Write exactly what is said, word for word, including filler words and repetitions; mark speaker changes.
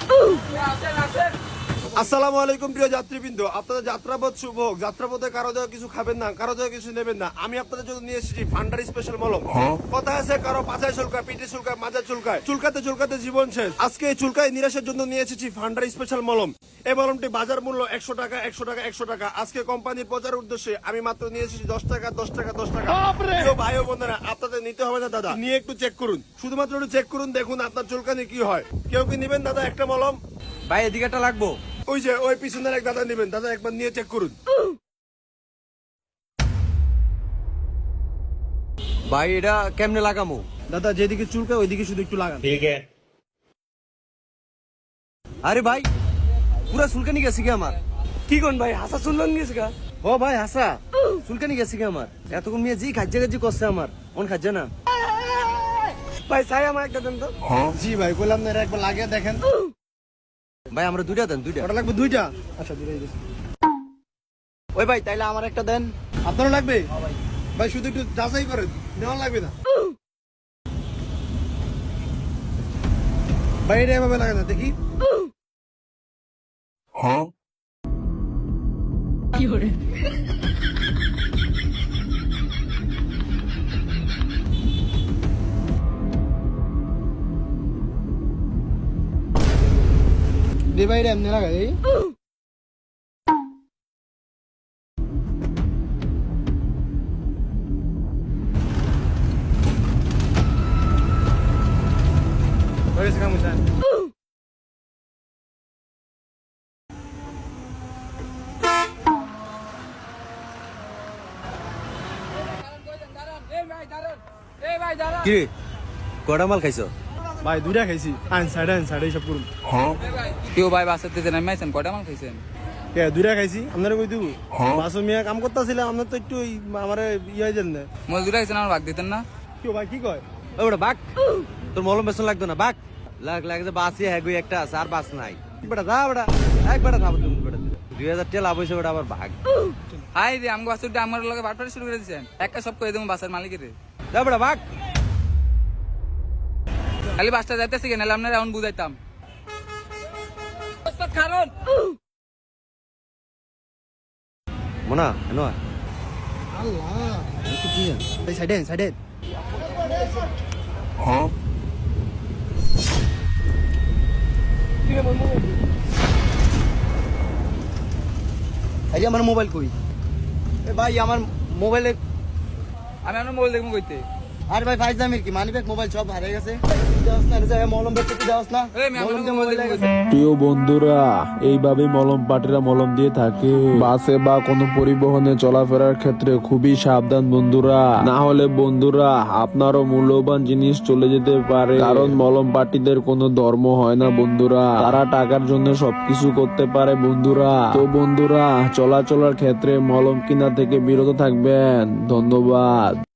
Speaker 1: আসসালামু আলাইকুম প্রিয় যাত্রীবৃন্দ, আপনাদের যাত্রাপথ শুভ হোক। যাত্রাপথে কারো দেওয়া কিছু খাবেন না, কারো দেওয়া কিছু নেবেন না। আমি আপনাদের জন্য নিয়ে এসেছি ফান্ডার স্পেশাল মলম। কথা আছে কারো পাছায় চুলকায়, পিঠে চুলকায়, মাজা চুলকায়, চুলকাতে চুলকাতে জীবন শেষ। আজকে এই চুলকায় নিরাশের জন্য নিয়ে এসেছি ফান্ডার স্পেশাল মলম। এই মলমটি বাজার মূল্য একশো টাকা, একশো টাকা, একশো টাকা। আজকে কোম্পানির প্রচার উদ্দেশ্যে আমি মাত্র নিয়ে এসেছি দশ টাকা, দশ টাকা, দশ টাকা। প্রিয় ভাই ও বোনেরা, আপনাদের নিতে হবে না দাদা, নিয়ে একটু চেক করুন, শুধুমাত্র একটু চেক করুন, দেখুন আপনার চুলকানি কি হয়। কেউ কি নিবেন দাদা একটা মলম?
Speaker 2: ভাই এদিকে একটা লাগবো।
Speaker 1: ওই যে ওই পিছনের এক দাদা নিবেন, দাদা একবার নিয়ে চেক করুন।
Speaker 2: ভাই এটা কেমনে লাগামো?
Speaker 1: দাদা যেদিকে চুলকায় ওইদিকে শুধু একটু লাগান।
Speaker 3: ठीक है।
Speaker 2: আরে ভাই পুরা চুলকানি গেছে কি আমার?
Speaker 4: কি কোন ভাই হাসা শুনলেন গেছে গা?
Speaker 2: ও ভাই হাসা চুলকানি গেছে কি আমার? এতক্ষণ মেয়ে জি খাজ্জা খাজ্জি করছে আমার, মন খাজ্জা না।
Speaker 4: ভাই চাই আমার একটা দেন তো।
Speaker 1: জি ভাই বললাম না, একবার লাগিয়ে দেখেন।
Speaker 2: ভাই আমরা দুইটা দেন, দুইটা।
Speaker 1: ওটা লাগবে দুইটা? আচ্ছা দুইটাই দিচ্ছি।
Speaker 2: ওই ভাই তাইলে আমার একটা দেন।
Speaker 1: আপনারও লাগবে? ভাই শুধু একটু যাচাই করেন, নেওয়া লাগবে না। ভাই এটা এভাবে লাগে না, দেখি। দে ভাই এটা এমনি লাগাই এই। হয়েছে কাম স্যার।
Speaker 2: কি রে কটা মাল খাইছো?
Speaker 1: ভাই দুইটা খাইছি। আইন সাইড আইন সাইড এইসব করুন।
Speaker 5: কেউ ভাই বাসাতে যে নামাইছেন কয়টা মাল খাইছেন?
Speaker 1: কে দুইটা খাইছি? আপনারা কই দিব? বাসু মিয়া কাম করতেছিলাম, আপনার তো একটু আমার ইয়ে দেন না।
Speaker 5: মল দুটা খাইছেন আমার ভাগ দিতেন না?
Speaker 1: কেউ ভাই কি কয়?
Speaker 2: ওটা বাক, তোর মলম বেসন লাগতো না, বাক। লাগ লাগে যে বাসি হ্যাঁ গই একটা আছে আর বাস নাই। বেটা যা বেটা, এক বেটা খাবো তুমি বেটা। দুই হাজার টাকা লাভ হয়েছে বেটা, আবার ভাগ।
Speaker 5: হাই রে আমগো বাসুরটা আমার লগে বাটপাড়ি শুরু করে দিয়েছেন। একটা সব কই দেবো বাসের মালিকের।
Speaker 2: যা বেটা ভাগ।
Speaker 5: খালি বাসটা যাইতেছি কেন, নাহলে আপনারা এখন বুঝাইতাম। কারণ
Speaker 2: মোনা এনো
Speaker 1: আল্লাহ একটু কি ভাই সাইড আইন সাইড আইন।
Speaker 2: এই যে আমার মোবাইল কই? এ ভাই আমার মোবাইলে।
Speaker 5: আমি আপনার মোবাইল দেখবো কইতে।
Speaker 2: আরে ভাই ফাইজ দামের কি মানিব্যাগ মোবাইল সব হারিয়ে গেছে। যাস না রে, মলম বেচতে কি যাস না?
Speaker 5: এই আমি
Speaker 2: মলম
Speaker 5: আপনার
Speaker 2: দিয়ে
Speaker 5: মোবাইল
Speaker 2: মোবাইল
Speaker 5: দেখবো
Speaker 2: গেছে।
Speaker 5: কইতে।
Speaker 6: প্রিয় বন্ধুরা, এইভাবে মলম পাটিরা মলম দিয়ে থাকে। বাসে বা কোনো পরিবহনে চলাফেরার ক্ষেত্রে খুবই সাবধান বন্ধুরা, না হলে বন্ধুরা আপনারও মূল্যবান জিনিস চলে যেতে পারে। কারণ মলম পাটিদের কোনো ধর্ম হয় না বন্ধুরা, তারা টাকার জন্য সবকিছু করতে পারে বন্ধুরা। তো বন্ধুরা চলাচলের ক্ষেত্রে মলম কিনা থেকে বিরত থাকবেন। ধন্যবাদ।